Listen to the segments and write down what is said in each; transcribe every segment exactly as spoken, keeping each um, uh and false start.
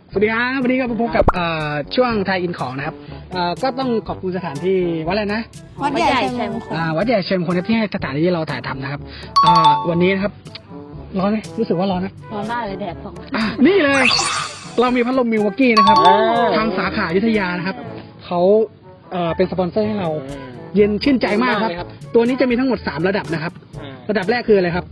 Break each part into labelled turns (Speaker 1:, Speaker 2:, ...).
Speaker 1: สวัสดีครับวันนี้ก็มาพบกับช่วงไทยอินของนะครับก็ต้องขอบคุณสถานที่วัดอะไรนะ
Speaker 2: วัดใหญ่ชัยมงคล
Speaker 1: วัดใหญ่ชัยมงคลที่ให้สถานที่เราถ่ายทำนะครับวันนี้นะครับร้อนไหมรู้สึกว่าร้อนนะ
Speaker 2: ร้อนมากเลยแดดส่อง
Speaker 1: นี่เลยเรามีพัดลมมิลวอกกี้นะครับทางสาขาอยุธยานะครับเขาเป็นสปอนเซอร์ให้เราเย็นชื่นใจมากครับตัวนี้จะมีทั้งหมดสามระดับนะครับระดับแรกคืออะไรครับ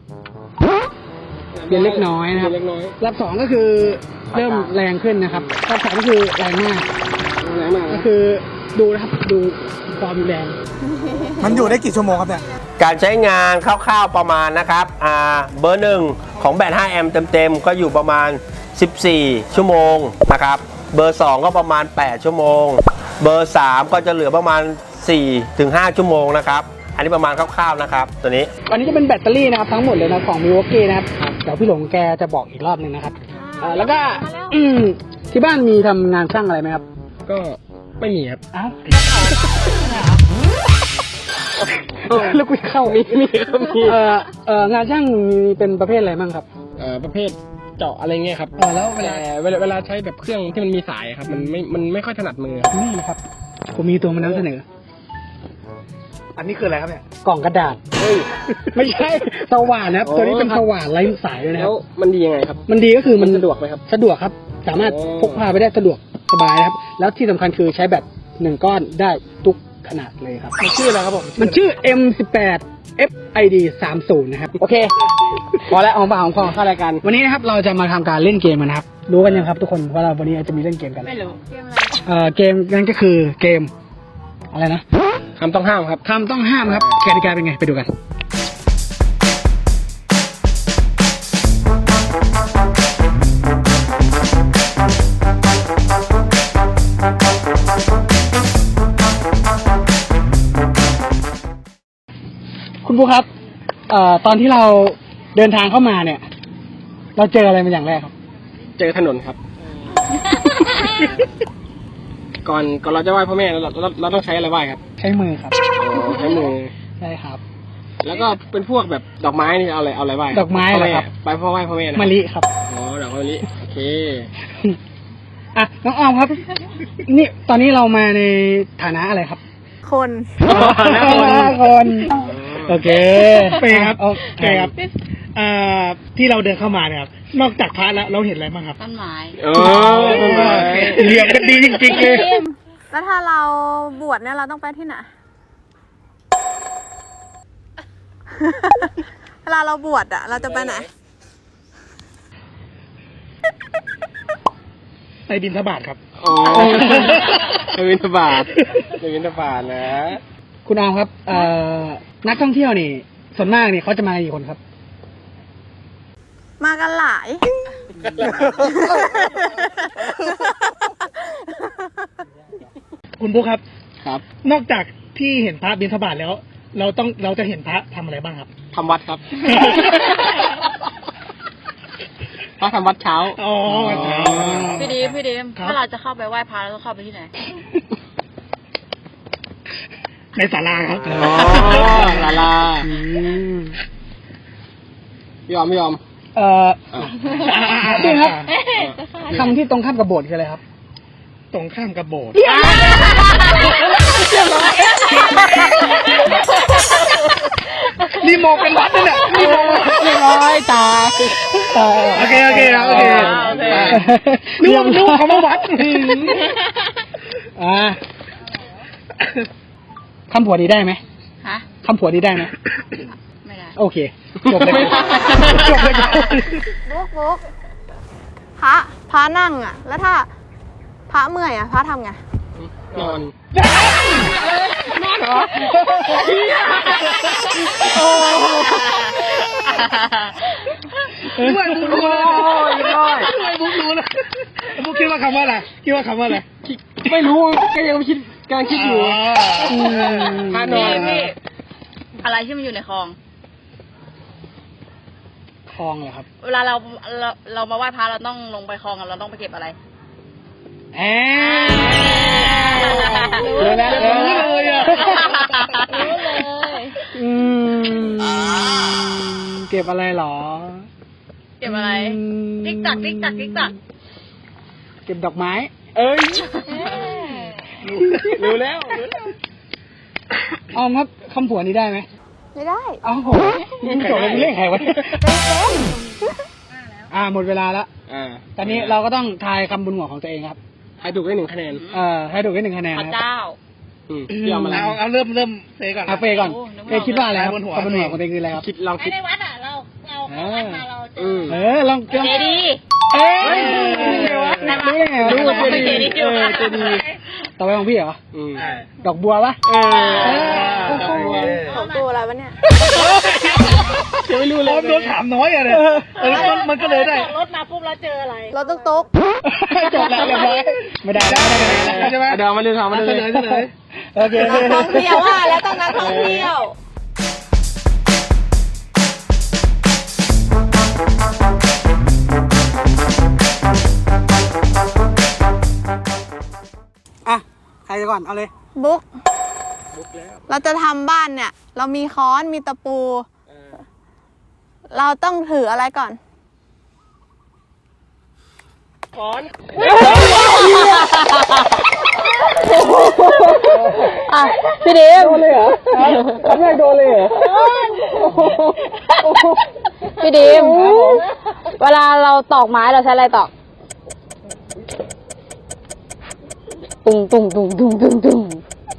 Speaker 1: เย็นเล็กน้อยนะครับระดับสองก็คือเริ่มแรงขึ้นนะครับระดับสามก็คือแรงมากแรงมากก็คือดูนะครับดูความแรง
Speaker 3: มันอยู่ได้กี่ชั่วโมงครับเนี่ย
Speaker 4: การใช้งานคร่าวๆประมาณนะครับอ่าเบอร์หนึ่งของแบตห้าแอมป์เต็มๆก็อยู่ประมาณสิบสี่ชั่วโมงนะครับเบอร์สองก็ประมาณแปดชั่วโมงเบอร์สามก็จะเหลือประมาณสี่ถึงห้าชั่วโมงนะครับอันนี้ประมาณคร่าวๆนะครับตัวนี้
Speaker 1: อันนี้จะเป็นแบตเตอรี่นะครับทั้งหมดเลยนะของมิลวอกกี้นะครับเดี๋ยวพี่หลงแกจะบอกอีกรอบหนึ่งนะครับแล้วก็ที่บ้านมีทำงานช่างอะไรไหมครับ
Speaker 5: ก็ไม่มีครับ
Speaker 1: อ้าวแล้วกูเข้ามีมีมีเอ่อเอ่องานช่างมีเป็นประเภทอะไรบ้างครับ
Speaker 5: เอ่อประเภทเจาะอะไรเงี้ยครับ
Speaker 1: เออแล้วเวลา
Speaker 5: เวลาเวลาใช้แบบเครื่องที่มันมีสายครับมันไม่มันไม่ค่อยถนัดมือ
Speaker 1: นี่ครับผมมีตัวมานำเสนออันนี้คืออะไรครับเนี่ยกล่องกระดาษเฮ้ยไม่ใช่สว่านนะครับตัวนี้เป็นสว่านไร้สายเลยนะครับ
Speaker 5: มันดียังไงครับ
Speaker 1: มันดีก็คือมัน
Speaker 5: สะดวกไหมครับ
Speaker 1: สะดวกครับสามารถพกพาไปได้สะดวกสบายนะครับแล้วที่สำคัญคือใช้แบตหนึ่งก้อนได้ทุกขนาดเลยครับ
Speaker 5: มันชื่ออะไรครับผม
Speaker 1: มันชื่อ เอ็ม สิบแปด เอฟ ไอ ดี สามสิบ นะครับโอเคพอแล้วเอาปากของคอเข้ารายการวันนี้นะครับเราจะมาทำการเล่นเกมกันนะครับรู้กันยังครับทุกคนว่าเราวันนี้จะมีเล่นเกมกัน
Speaker 2: ไม่รู้เกมอะไร
Speaker 1: เอ่อเกมนั่นก็คือเกมอะไรนะ
Speaker 5: คำต้องห้ามครับ
Speaker 1: คำต้องห้ามครับกติกาเป็นไงไปดูกันคุณผู้ครับเอ่อตอนที่เราเดินทางเข้ามาเนี่ยเราเจออะไรเป็นอย่างแรกครับ
Speaker 5: เจอถนนครับ ก่อนก่อนเราจะไหว้พ่อแม่เราเราเราต้องใช้อะไรไหว้ครับ
Speaker 1: ใช้มือครับ
Speaker 5: ใช้มือ
Speaker 1: ใช่ครับ
Speaker 5: แล้วก็เป็นพวกแบบดอกไม้นี่เอาอะไรเอาอะไรไหว้
Speaker 1: ดอกไม้เหรอครับ
Speaker 5: ไปพ่อไหว้พ่อแม่
Speaker 1: มะลิครับ
Speaker 5: อ๋อดอกมะลิโอเค
Speaker 1: อ่ะน้องออมครับนี่ตอนนี้เรามาในฐานะอะไรครับ
Speaker 2: คน
Speaker 1: คนโอเค
Speaker 3: เป้ครับโอเคครับที่เราเดินเข้ามาเนี่ยครับนอกจากพระแล้วเราเห็นอะไรบ้างครับ
Speaker 2: ต้นไม้
Speaker 5: โอ้
Speaker 3: เรียงกันดีจริงๆเลย
Speaker 2: แล้วถ้าเราบวชเนี่ยเราต้องไปที่ไหนเวลาเราบวชอ่ะเราจะไปไหน
Speaker 3: ไปบิณฑบาตครับ
Speaker 5: อ๋อไปบิณฑบาตไปบิณฑบาตนะ
Speaker 1: คุณออมครับเอ่อนักท่องเที่ยวนี่ส่วนมากนี่เขาจะมากี่คนครับ
Speaker 2: มากันหลาย
Speaker 3: คุณบุ๊คครับ
Speaker 5: ครับ
Speaker 3: นอกจากที่เห็นพระบิณฑบาตแล้วเราต้องเราจะเห็นพระทำอะไรบ้างครับ
Speaker 5: ทำวัดครับพระทำวัดเช้า
Speaker 3: อ๋อ
Speaker 2: พี่ดีพี่ดีถ้าเราจะเข้าไปไหว้พระเราต้องเข้าไปที่ไหน
Speaker 3: ในศาลาครับ
Speaker 5: อ๋อศาลาไม่ยอมไม่ยอม
Speaker 1: เอ่อจริงครับคำที่ตรงข้ามกับโบสถ์คืออะไรครับ
Speaker 3: ตรงข้ามกับโบสถ์นี่มองเป็นวัดนั่นแหละนี่มอง
Speaker 1: เรียบร้อยตา
Speaker 3: โอเคโอเคโอเคนึกว่านึกว่าเขามาวัด
Speaker 1: อ่าคำผัวนี้ได้ไหม
Speaker 2: ฮะ
Speaker 1: คำผัวนี้ได้ไหม
Speaker 2: ไม่ได้
Speaker 1: โอเคจบเลยจบเลย
Speaker 2: บุ๊กบุ๊กพระพระนั่งอ่ะแล้วถ้าพระเมื่อยอ่ะพระทำไง
Speaker 5: นอน
Speaker 1: นอนเหรอไม่บุ๊กรู้ไม่บุ๊กรู้นะบุ๊กคิดว่าคำว่าอะไรคิดว่าคำว่าอะไร
Speaker 5: ไม่รู้ก็ยังไม่คิดการคิดอยู่พระนอน
Speaker 2: อะไรที่มันอยู่ในคลอง
Speaker 1: คลองเหรอครับ
Speaker 2: เวลาเราเราเรามาไหว้พระเราต้องลงไปคลองเราต้องไปเก็บอะไร
Speaker 1: แอรู้แล้วรู้เลยอ่ะ
Speaker 2: รู้เลย
Speaker 1: อืมเก็บอะไรหรอ
Speaker 2: เก็บอะไรติ๊กตักติ๊กตักติ๊กตัก
Speaker 1: เก็บดอกไม้
Speaker 3: เอ้ยรู้แล้วรู้แล้ว
Speaker 1: ออมครับคำผวนนี้ได้ไหม
Speaker 2: ไม่ได้
Speaker 1: เอ้าวโหมึงจบแล้วมึงเล่นใครวะอ่าหมดเวลาแล้ว
Speaker 5: อ่า
Speaker 1: ตอนนี้เราก็ต้องทายคำบนหัวของตัวเองครับ
Speaker 5: ให้ถูกได้หนึ่งคะแนน
Speaker 1: เอ่อให้ถูกได้หนึ่งคะแนน
Speaker 6: พระ
Speaker 1: ครับ
Speaker 6: เจ้า
Speaker 5: อืมพี่เอามาแล้ว
Speaker 3: เอาเอาเริ่มเริ่มเฟยก่อนนะ
Speaker 1: เอาเฟย์ก่อน
Speaker 6: โอ้นึกไม่
Speaker 1: เฟ
Speaker 6: ออก
Speaker 1: ย์คิดว่าอะไรครับ
Speaker 3: บนหัว
Speaker 1: คำบนหัวของตัวเองคืออะไรครับ
Speaker 5: คิดลองคิด
Speaker 6: ในวัดอ่ะ เราเราเข้าวัดมาเราเจ
Speaker 5: อื
Speaker 6: อ
Speaker 5: ม
Speaker 1: เออลองลอง
Speaker 6: เจดีย์
Speaker 1: เอ้ย
Speaker 6: เฮ้ย
Speaker 1: รู้ได้ไงวะ
Speaker 6: รู้ว่าเจดีย์
Speaker 1: เออเจดีย์ต่อไปของพี่เหรอ
Speaker 5: อืม
Speaker 1: ดอกบัวปะ
Speaker 3: เออ
Speaker 2: ของกูอะไรวะเนี่ย
Speaker 3: ยังไม่รู้เลยโดนถามน้อยอะเนี่ยเออมันมันก็เลยได้
Speaker 6: รถมาปุ๊บแล้วเจออะไร
Speaker 2: รถตุ๊กตุ๊ก
Speaker 1: จบแล้วเรียบร้อยไม่ได้แล้วไม่ได้แล้วใช่ไหม
Speaker 5: เดี๋ยวมาเลยถามมาเลย
Speaker 3: เสนอเสนอ
Speaker 1: โอเค
Speaker 2: นักท่องเที่ยวว่าแล้วต้องนักท่องเที่ยว
Speaker 1: อ่ะใครจะก่อนเอาเลย
Speaker 2: บุ๊กเราจะทำบ้านเนี่ย เรามีค้อนมีตะปู เราต้องถืออะไรก่อน
Speaker 7: อ่ะพี่ดิมโดนเลยเหรอครั้งแรกโดนเลยเหรอพี่ดิมเวลาเราตอกไม้เราใช้อะไรตอกตุงตุงตุงตุงตุงตุง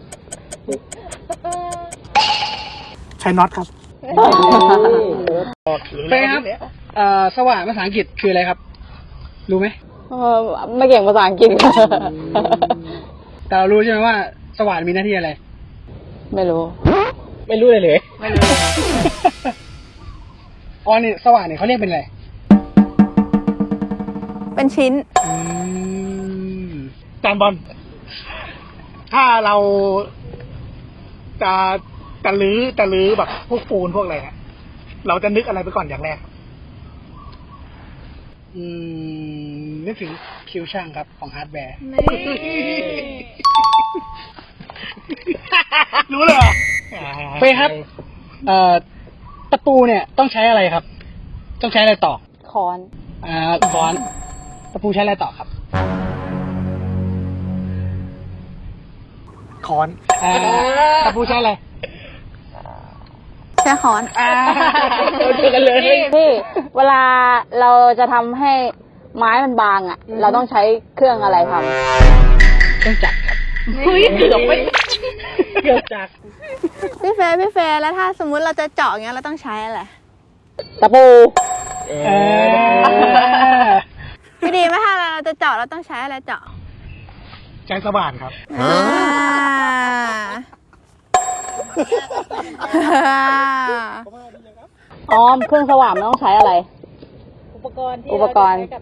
Speaker 1: ใช้น็อตครับเฟย์ครับเอ่อสว่านภาษาอังกฤษคืออะไรครับ รู้ไหม
Speaker 7: เออไม่เก่งภาษาอังกฤษค่ะ
Speaker 1: แต่เรารู้ใช่ไหมว่าสว่านมีหน้าที่อะไร
Speaker 7: ไม่รู้
Speaker 5: ไม่รู้เลยเลย
Speaker 1: ไม่รู้อ๋อนี่สว่านเนี่ยเขาเรียกเป็นอะไร
Speaker 2: เป็นชิ้น
Speaker 1: อืม
Speaker 3: จานบอล ถ้าเราจะจะลื้อจะลื้อแบบพวกปูนพวกอะไรเนี่ยเราจะนึกอะไรไปก่อนอย่างแรก
Speaker 1: อืมนึกถึงคิวช่างครับของฮาร์ดแวร์
Speaker 3: รู้เลยเหรอ
Speaker 1: เฟย์ครับ เอ่อตะปูเนี่ยต้องใช้อะไรครับ ต้องใช้อะไรต่อ
Speaker 7: ค้อน
Speaker 1: อ่าค้อนตะปูใช้อะไรต่อครับ
Speaker 3: ค้อน
Speaker 1: อ่าตะปูใช้อะไร
Speaker 2: ใช้ค้อน
Speaker 1: อ่า
Speaker 5: เจอกันเลย
Speaker 7: พี่เวลาเราจะทำให้ไม้มันบางอ่ะ เราต้องใช้เครื่องอะไรทำ
Speaker 1: เครื่องจักรครับ
Speaker 6: เฮ้ยเกือบไม่
Speaker 3: เกิดจาก
Speaker 2: พี่เฟย์พี่เฟย์แล้วถ้าสมมุติเราจะเจาะอย่างเงี้ยเราต้องใช้อะไร
Speaker 7: ตะปู
Speaker 1: เออ
Speaker 2: พี่ดีไหมถ้าเราจะเจาะเราต้องใช้อะไรเจาะ
Speaker 3: ใช้สว่านครับ
Speaker 2: อ่า
Speaker 7: ออมเครื่องสว่านมันต้องใช้อะไร
Speaker 6: อุปกรณ์ที่
Speaker 7: อุปกรณ์
Speaker 6: เาจะใช้กับ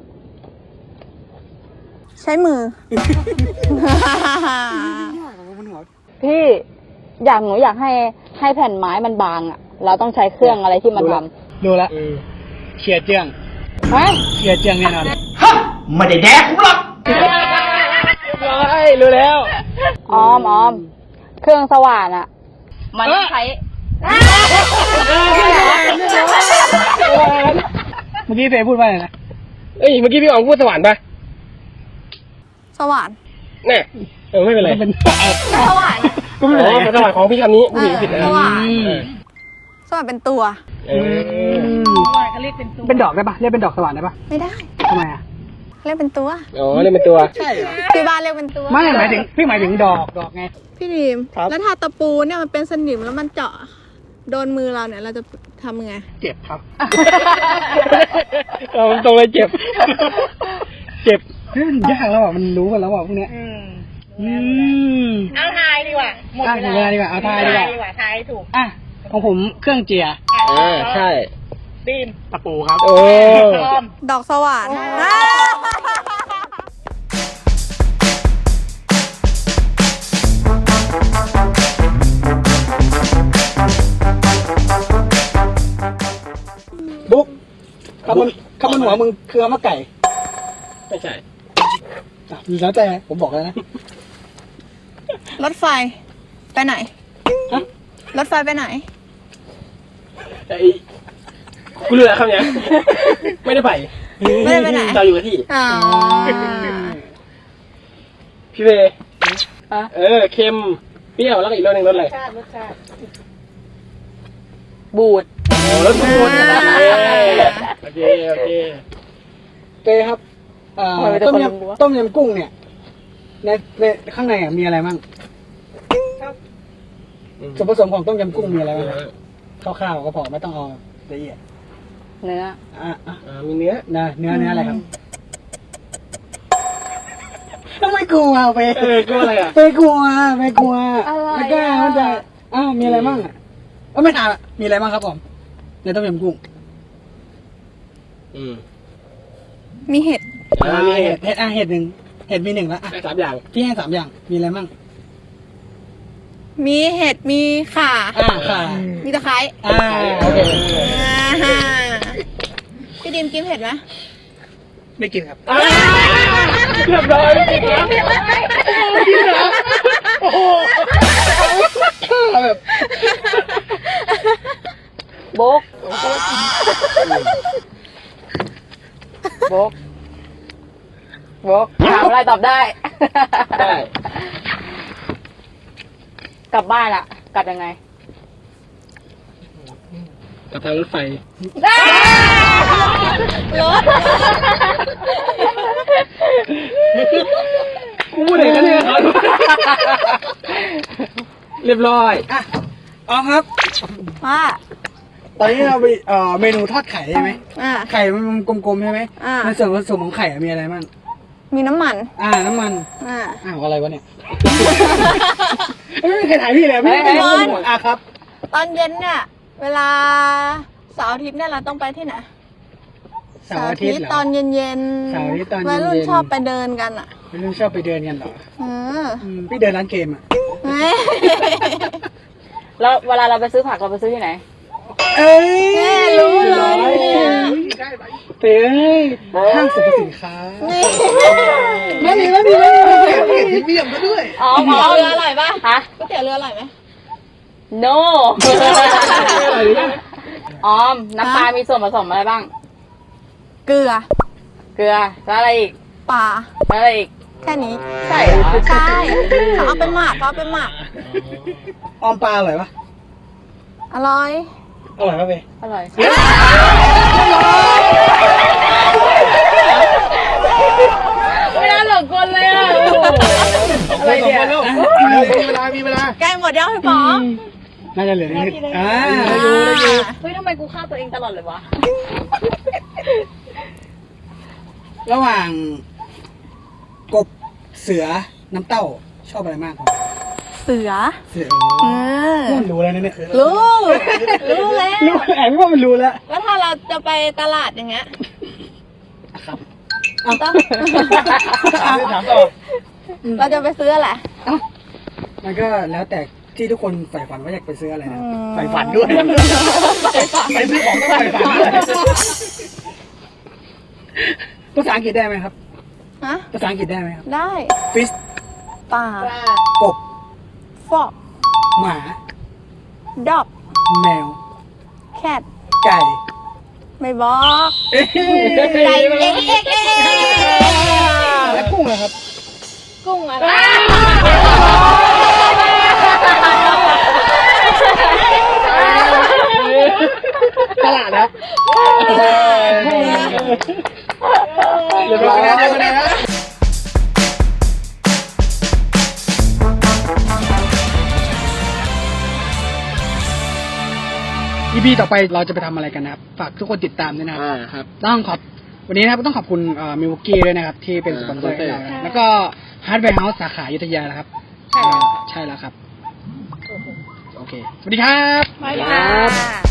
Speaker 2: ใช้มือ
Speaker 7: พี่อยากหนูอยากให้ให้แผ่นไม้มันบางอ่ะ เราต้องใช้เครื่องอะไรที่มันทำ
Speaker 1: ดูละเขียเจียง
Speaker 7: เฮ้ย
Speaker 1: เขียเจียงแน่นอน
Speaker 3: ไม่ได้แดกผมหรอก
Speaker 1: เฮ้ยรู้แล้ว
Speaker 7: ออมออมเครื่องสว่านอ่ะ มันต้องใช้
Speaker 1: เมื่อกี้เฟย์พูดว่าอะไรนะ
Speaker 5: เอ้ยเมื่อกี้พี่อ๋องพูดสว่านปะ
Speaker 2: สว่าน
Speaker 5: แน่เออไม่เป็นไร
Speaker 1: เป็น
Speaker 2: สว่าน
Speaker 1: ก็ไม่เป็นไร
Speaker 5: อ๋อสว่านของพี่คำนี้ผู้หญิงผิดนะ
Speaker 2: สว่าน
Speaker 1: อืม
Speaker 2: สว่านเป็นตัว
Speaker 5: เออ
Speaker 6: สว่านก็เรียกเป็นตัว
Speaker 1: เป็นดอกได้ปะเรียกเป็นดอกสว่านได้ปะ
Speaker 2: ไม่ได้
Speaker 1: ทำไมอ่ะ
Speaker 2: เรียกเป็นตัว
Speaker 5: อ๋อเล่นเป็นตัว
Speaker 1: ใช่เหรอ
Speaker 2: ที่บ้านเรียกเป็นตัว
Speaker 1: ไม่หมายถึงพี่หมายถึงดอกดอกไง
Speaker 2: พี่ดีม
Speaker 3: ครับ
Speaker 2: แล้วถ้าตะปูเนี่ยมันเป็นสนิมแล้วมันเจาะโดนมือเราเนี่ยเราจะทำยังไง
Speaker 3: เจ็บครับ
Speaker 5: เออตรงเลยเจ็บ เจ็บ
Speaker 1: เฮ้ยมันยากแล้วอ่ะมันรู้กันแล้วอ่ะพวกเนี้ยอืม
Speaker 6: เอาทายดีกว่า หมด
Speaker 1: อ่ะ
Speaker 6: เว
Speaker 1: หมดเว
Speaker 6: ลา
Speaker 1: ลาดีกว่าเอาทายดีกว่า
Speaker 6: ดีกว่าทายให้ถูก
Speaker 1: อ่ะของผมเครื่องเจีย
Speaker 5: อ่าใช่
Speaker 6: บีม
Speaker 3: ตะปูครับ
Speaker 5: โอ้
Speaker 6: พร้อม
Speaker 2: ดอกสว่านอ่า
Speaker 1: บุ๊กคำบนคำบนหัวมึงคือคำว่าไก่
Speaker 5: ไม่ใช่
Speaker 1: อ่ะแล้วแต่ผมบอกแล้วนะ
Speaker 2: รถไฟ ไปไหน
Speaker 1: ฮะ
Speaker 2: รถไฟไปไหน
Speaker 5: ไอ้กูรู้แล้วคำเนี้ยไม่ได้ไป
Speaker 2: ไม่ได้ไปไหน
Speaker 5: เราอยู่กับที่
Speaker 2: อ๋อ
Speaker 5: พี่เวย์
Speaker 7: ฮะ
Speaker 5: เออเค็มเปรี้ยวแล้วก็อีกรสหนึ่งรสอะไร
Speaker 6: รสชาติรสชาติ
Speaker 7: บูด
Speaker 5: รสบูดโอเคโอเค
Speaker 1: เต้ครับเอ่อต้มยำต้มยำกุ้งเนี่ยในในข้างในอ่ะมีอะไรบ้างส่วนผสมของต้มยำกุ้งมีอะไรบ้างคร่าวๆก็พอไม่ต้องเอาละเอียด
Speaker 7: เนื้อ
Speaker 1: อ่ะอ่ะ
Speaker 5: อ่ามีเนื้อ
Speaker 1: เนื้อเนื้อเนื้ออะไรครับไม่กลัวไป
Speaker 5: เออก็อะไรอ่ะ
Speaker 1: ไม่กลัวไม่กลัว
Speaker 7: อะไร
Speaker 1: ไม่กล้า
Speaker 7: อ่ะ
Speaker 1: มันจะอ้าวมีอะไรบ้างอ่ะเอ้าไม่ถามอะมีอะไรบ้างครับผมในต้มยำกุ้ง
Speaker 5: อืม
Speaker 2: มีเห็ด
Speaker 1: อ่าเห็ดเห็ดอ่ะเห็ดหนึ่งเห็ดมีหนึ่งแล้วอ่ะ
Speaker 5: ได้สามอย่าง
Speaker 1: พี่ให้สามอย่างมีอะไรบ้าง
Speaker 2: มีเห็ด มีข่า
Speaker 1: อ่าค่ะ
Speaker 2: มีตะไคร้
Speaker 1: อ่าโอเค
Speaker 2: อ่าพี่ดิมกินเผ็ดไหม
Speaker 3: ไม่กินครับ
Speaker 5: เรียบร้อยจริงครับ
Speaker 3: โอ้โหแบบ
Speaker 7: โบกโบกโบกถามอะไรตอบได้
Speaker 5: ได้
Speaker 7: กลับบ้านอะกลับยังไง
Speaker 5: กับทางรถไฟ
Speaker 2: รถ
Speaker 5: กูพูดเองกันเนี่ยครับเรียบร้อย
Speaker 1: อ่ะอ๋อครับ
Speaker 2: ว่า
Speaker 1: ตอนนี้เราไปเอ่อเมนูทอดไข่ใช่ไหม
Speaker 2: อ่า
Speaker 1: ไข่มันกลมๆใช่ไหม
Speaker 2: อ่า
Speaker 1: ในส่วนผสมของไข่อะมีอะไรบ้าง
Speaker 2: มีน้ำมัน
Speaker 1: อ่าน้ำมัน
Speaker 2: อ่า
Speaker 1: อ้าวอะไรวะเนี่ยไม่มีใครถ่ายพี่เลยพี่
Speaker 2: เฮ้
Speaker 1: ไม่
Speaker 2: ย
Speaker 1: รู้
Speaker 2: เฮ้ย
Speaker 1: หมดอ่ะครับ
Speaker 2: ตอนเย็นเนี่ย เวลาเสาร์อาทิตย์เนี่ยเราต้องไปที่ไหน
Speaker 1: เสาร์อาทิตย์เหรอ
Speaker 2: ตอนเย็น
Speaker 1: เสาร์อาทิตย์ตอนเย็นๆ
Speaker 2: วัยรุ่นชอบไปเดินกันอ่ะ
Speaker 1: ไม่รู้ชอบไปเดินกันเหรอ
Speaker 2: เออ
Speaker 1: อืมพี่เดินร้านเกมอ่ะ
Speaker 2: เฮ้ย
Speaker 7: แล้วเวลาเราไปซื้อผักเราไปซื้อที่ไหน
Speaker 1: เอ้ย
Speaker 2: แม่รู้เลยเนี่ย
Speaker 1: เต้ยห้างสรรพสินค้า
Speaker 2: นี่
Speaker 1: ไม่ดีไม่ดีไม่ดี
Speaker 3: เห็นเบี่ยมมาด้วย
Speaker 7: อ๋อ
Speaker 2: ก๋วยเตี๋ยวเรืออร่อยปะ
Speaker 7: ฮะ
Speaker 2: ก๋วยเตี๋ยวเรืออร่อยไหม
Speaker 7: no ออม น้ำปลา มีส่วนผสมอะไรบ้าง
Speaker 2: เกลือ
Speaker 7: เกลือ แล้วอะไรอีก
Speaker 2: ปลา
Speaker 7: แล้วอะไรอีก
Speaker 2: แค่นี้
Speaker 7: ใช่เหรอ
Speaker 2: ใช่เขาเอาไปหมักเขาเอาไปหมัก
Speaker 1: ออมปลาอร่อยปะ
Speaker 2: อร่อย
Speaker 1: อร่อยปะเบ
Speaker 7: อร่อย ไม่น่าหลงกลเลยอ่ะโอ้โหอะไรเนี่ย
Speaker 3: มีเวลา มีเวลา
Speaker 2: ใกล้หมดยังพี่ป๋อง
Speaker 1: น่าจะเหลือนิดอ่า
Speaker 2: อ่า
Speaker 7: เฮ้ยทำไมกูฆ่าตัวเองตลอดเลยวะ
Speaker 1: ระหว่างกบเสือน้ำเต้าชอบอะไรมากกว่า
Speaker 2: เสือ
Speaker 1: เสือ
Speaker 2: เออ
Speaker 1: มันรู้แล้วนะเนี่ย
Speaker 2: รู้ รู้แล้ว
Speaker 1: รู้แอบว่ามันรู้แล้ว
Speaker 2: แล้วถ้าเราจะไปตลาดอย่างเงี้ย
Speaker 1: ครับ
Speaker 2: ต้อง
Speaker 3: ถามต่อ
Speaker 2: เราจะไปซื้ออะไร
Speaker 1: มันก็แล้วแต่ที่ทุกคนใฝ่ฝันว่าอยากไปซื้ออะไรนะ
Speaker 3: ใฝ่ฝันด้วย ไปซื้อของต้องใฝ่ฝันด้วย
Speaker 1: ภาษาอังกฤษได้ไหมครับ
Speaker 2: ฮะ
Speaker 1: ภาษาอังกฤษได้ไหมครับ
Speaker 2: ได้
Speaker 1: fish
Speaker 2: ปลาก
Speaker 1: บ
Speaker 2: ฟอก
Speaker 1: หมา
Speaker 2: ดอก
Speaker 1: แมว
Speaker 2: แคท
Speaker 1: ไก่
Speaker 2: ไม่บอก
Speaker 1: เอ้ย
Speaker 2: ไก่เอ็กเอ็กเอ็ก
Speaker 1: แล้วกุ้งเหรอครับ
Speaker 2: กุ้งอะไร
Speaker 1: ตลาดครับ
Speaker 3: เรียบร้อยแล้วเรียบร้อยแล้ว
Speaker 1: อีพีต่อไปเราจะไปทำอะไรกันนะครับ ฝากทุกคนติดตามด้วยนะครับ
Speaker 5: อ่าครับ
Speaker 1: ต้องขอบวันนี้นะครับต้องขอบคุณมิวกี้ด้วยนะครับ ที่เป็นสปอนเซอร์ให้เรานะแล้วก็ฮาร์ดแวร์เฮาส์สาขาอยุธยานะครับใช่ใช่แล้วครับ โอเค สวัสดีครับ
Speaker 2: ไม่ค่ะ